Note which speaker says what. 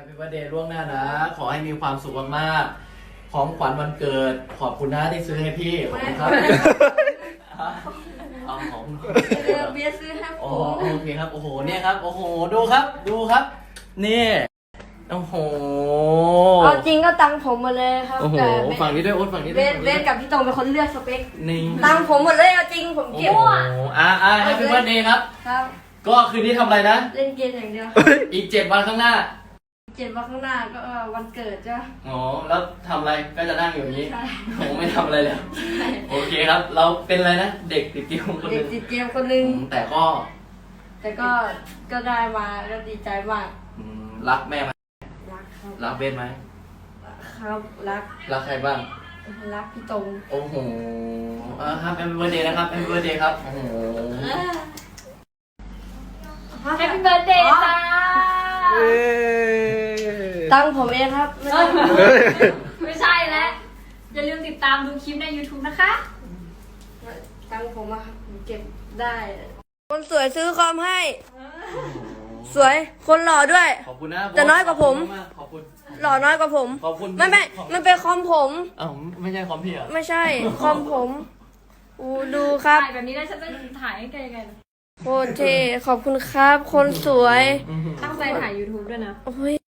Speaker 1: Happy Birthday ล่วงหน้านะ ขอให้มีความสุขมากๆของขวัญวันเกิด ขอบคุณนะที่ซื้อให้พี่ขอบคุณครับเอาของ
Speaker 2: เบียร์ซื้อให้ผ
Speaker 1: โอ้
Speaker 2: ม
Speaker 1: โอเคครับ โอ้โห เนี่ยครับ โอ้โห ดูครับ ดูครับ นี่ โอ้โห
Speaker 2: เอาจริงก็ตังผมหมดเลยครับ
Speaker 1: โอ้โห
Speaker 2: แต่
Speaker 1: ฝั่งนี้ด้วยโอ๊ตฝั่งนี้
Speaker 2: เบ
Speaker 1: ด้วย
Speaker 2: สเบสกับพี่ตรงเป็นคนเลือกสเปค
Speaker 1: นี่
Speaker 2: ตังผมหมดเลยเอาจริงผม
Speaker 1: โอ้
Speaker 2: เก็บ
Speaker 1: โหHappy Birthday ครับ
Speaker 2: ครับ
Speaker 1: ก็คืนนี้ทำอะไรนะ
Speaker 2: เล่นเกมอย่างเดียว
Speaker 1: อีก 7 วันข้างหน้า
Speaker 2: 7 วันข้างหน้าก็วันเกิดจ้ะ
Speaker 1: อ๋อ แล้วทำอะไรก็จะนั่งอยู่อย่างนี้
Speaker 2: ใช่
Speaker 1: ผมไม่ทำอะไรเลย โอเคครับ เราเป็นอะไรนะ เด็กติดเกมคนห
Speaker 2: เด็
Speaker 1: นึ
Speaker 2: ก
Speaker 1: ง
Speaker 2: ติดเกมคนหนึง
Speaker 1: แต่ก็
Speaker 2: แต่ก็ได้มาก็ดีใจมาก
Speaker 1: รักแม่ไหม
Speaker 2: รักครับ
Speaker 1: รักเบสไหม
Speaker 2: ครับรัก
Speaker 1: รักใครบ้าง
Speaker 2: รักพี่ตรง
Speaker 1: โอ้โหครับแอมเบอร์เดย์นะครับแอมเบอร์เดย์ครับ โอ้โห
Speaker 3: แฮปปี้เบิร์ดเดย์จ้า
Speaker 2: ตังผมเองครับไม่ต้อง
Speaker 3: ไม่ใช่แล้ว อย่าลืมติดตามดูคลิปใน YouTube นะคะ
Speaker 2: ตังผมอะครับผมเก็บได้ คนสวยซื้อคอมให้ สวย คนหล่อด้วย
Speaker 1: ขอบคุณนะ
Speaker 2: แต่น้อยกว่าผม
Speaker 1: ขอบคุณ
Speaker 2: หล่อน้อยกว่าผม
Speaker 1: ขอบคุณ
Speaker 2: ไม่มันเป็นคอมผม
Speaker 1: อ้าวไม่ใช่คอมพี่เหรอ
Speaker 2: ไม่ใช่ คอมผมอูดูครับ
Speaker 3: ถ่ายแบบนี้แล้วฉันจะถ่ายให้แกยังไงล่ะ
Speaker 2: โคตรเท่ขอบคุณครับ คนสวย
Speaker 3: ตั้งใจถ่าย YouTube ด้วยนะ
Speaker 2: โอ้ย